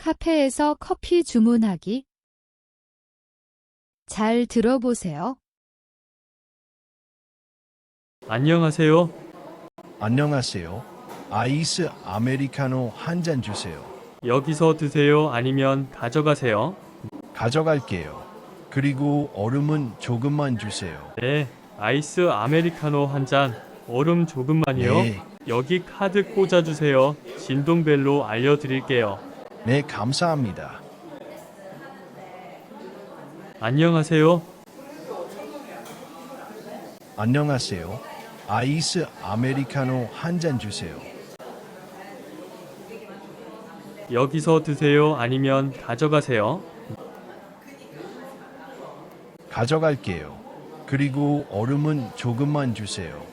카페에서 커피 주문하기. 잘 들어보세요. 안녕하세요. 안녕하세요. 아이스 아메리카노 한 잔 주세요. 여기서 드세요? 아니면 가져가세요? 가져갈게요. 그리고 얼음은 조금만 주세요. 네, 아이스 아메리카노 한 잔, 얼음 조금만요. 네. 여기 카드 꽂아주세요. 진동벨로 알려드릴게요. 네, 감사합니다. 안녕하세요. 안녕하세요. 아이스 아메리카노 한 잔 주세요. 여기서 드세요? 아니면 가져가세요? 가져갈게요. 그리고 얼음은 조금만 주세요.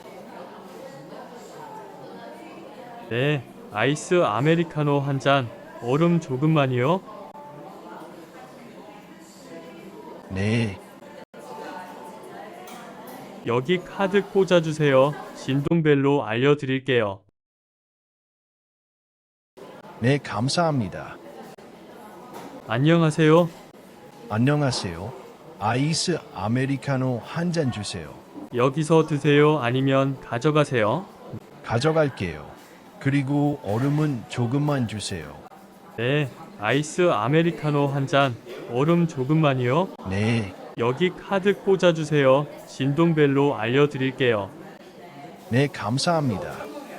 네, 아이스 아메리카노 한 잔, 얼음 조금만요. 네. 여기 카드 꽂아주세요. 진동벨로 알려드릴게요. 네, 감사합니다. 안녕하세요. 안녕하세요. 아이스 아메리카노 한 잔 주세요. 여기서 드세요? 아니면 가져가세요? 가져갈게요. 그리고 얼음은 조금만 주세요. 네, 아이스 아메리카노 한 잔, 얼음 조금만요. 네. 여기 카드 꽂아주세요. 진동벨로 알려드릴게요. 네, 감사합니다.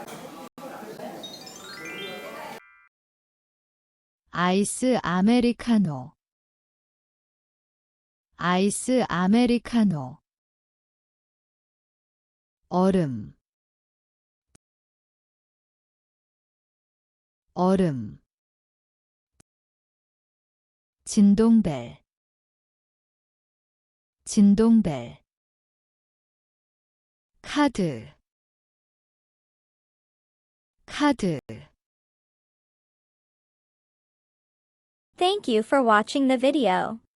아이스 아메리카노. 아이스 아메리카노. 얼음. 얼음. 진동벨. 진동벨. 카드. 카드. Thank you for watching the video.